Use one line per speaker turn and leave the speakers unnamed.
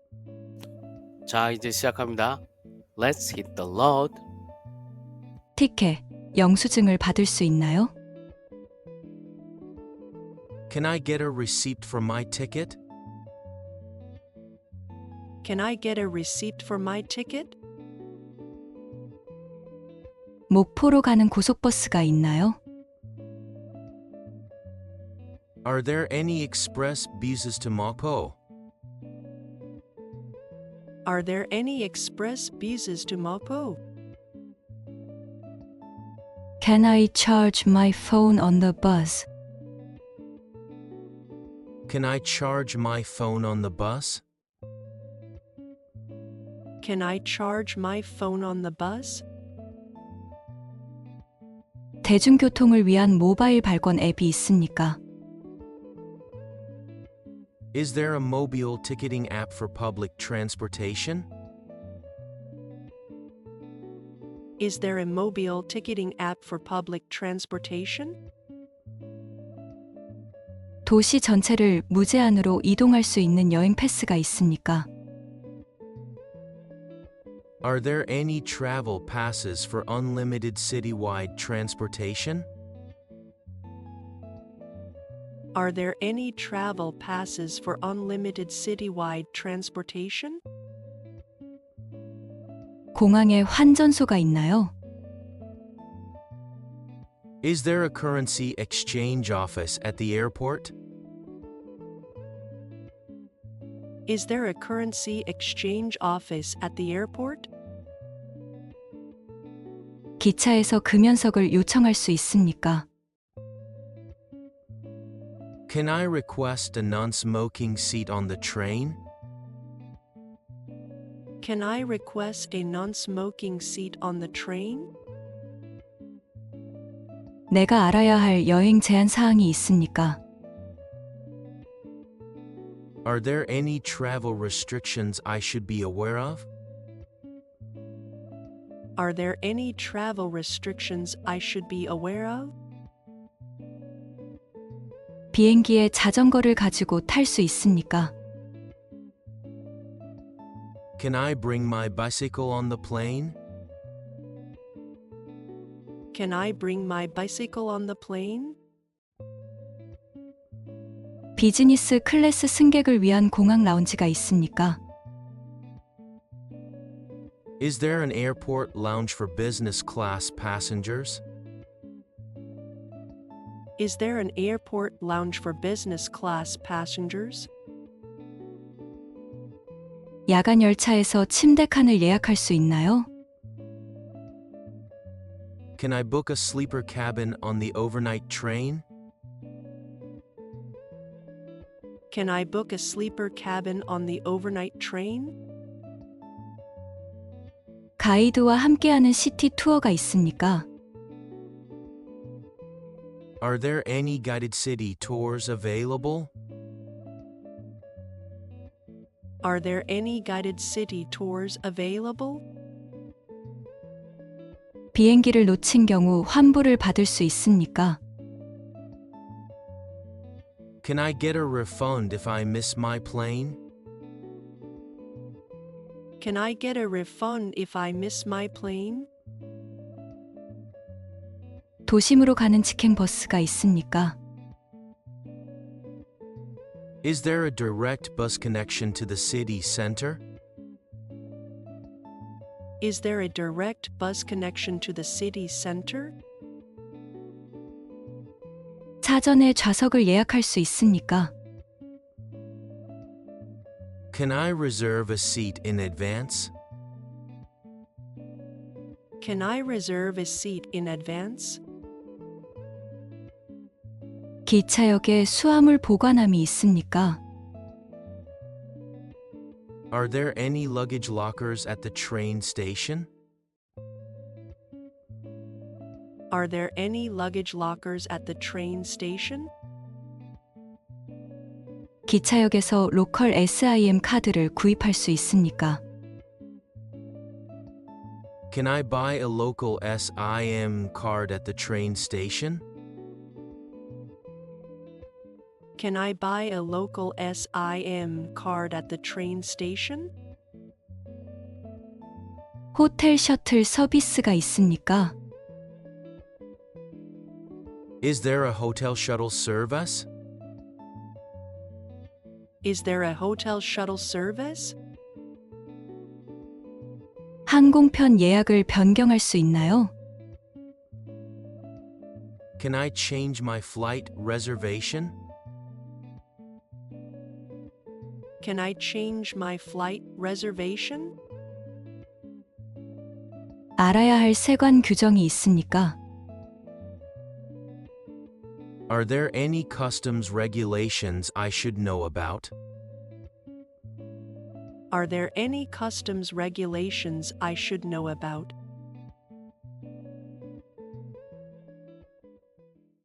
자, 이제 시작합니다. Let's hit the road.
티켓, 영수증을 받을 수 있나요?
Can I get a receipt for my ticket?
Can I get a receipt for my ticket?
목포로 가는 고속버스가 있나요?
Are there any express buses to Mokpo?
Are there any express buses to Mapo?
Can I charge my phone on the bus?
Can I charge my phone on the bus?
Can I charge my phone on the bus?
대중교통을 위한 모바일 발권 앱이 있습니까?
Is there a mobile ticketing app for public transportation?
Is there a mobile ticketing app for public transportation?
도시 전체를 무제한으로 이동할 수 있는 여행 패스가 있습니까?
Are there any travel passes for unlimited citywide transportation?
Are there any travel passes for unlimited citywide transportation?
공항에 환전소가 있나요?
Is there a currency exchange office at the airport?
Is there a currency exchange office at the airport?
기차에서 금연석을 요청할 수 있습니까?
Can I request a non-smoking seat on the train?
Can I request a non-smoking seat on the train?
내가 알아야 할 여행 제한 사항이 있습니까?
Are there any travel restrictions I should be aware of?
Are there any travel restrictions I should be aware of?
비행기에 자전거를 가지고 탈 수 있습니까?
Can I bring my bicycle on the plane?
Can I bring my bicycle on the plane?
비즈니스 클래스 승객을 위한 공항 라운지가 있습니까?
Is there an airport lounge for business class passengers?
Is there an airport lounge for business class passengers?
야간 열차에서 침대 칸을 예약할 수 있나요?
Can I book a sleeper cabin on the overnight train?
Can I book a sleeper cabin on the overnight train?
가이드와 함께하는 시티 투어가 있습니까?
Are there any guided city tours available?
Are there any guided city tours available?
비행기를 놓친 경우 환불을 받을 수 있습니까?
Can I get a refund if I miss my plane?
Can I get a refund if I miss my plane?
도심으로 가는 직행 버스가 있습니까?
Is there a direct bus connection to the city center?
Is there a direct bus connection to the city center?
사전에 좌석을 예약할 수 있습니까?
Can I reserve a seat in advance?
Can I reserve a seat in advance?
기차역에 수화물 보관함이 있습니까?
Are there any luggage lockers at the train station?
Are there any luggage lockers at the train station?
기차역에서 로컬 SIM 카드를 구입할 수 있습니까?
Can I buy a local SIM card at the train station?
Can I buy a local SIM card at the train station?
호텔 셔틀 서비스가 있습니까?
Is there a hotel shuttle service?
Is there a hotel shuttle service?
항공편 예약을 변경할 수 있나요?
Can I change my flight reservation?
Can I change my flight reservation?
알아야 할 세관 규정이 있습니까?
Are there any customs regulations I should know about?
Are there any customs regulations I should know about?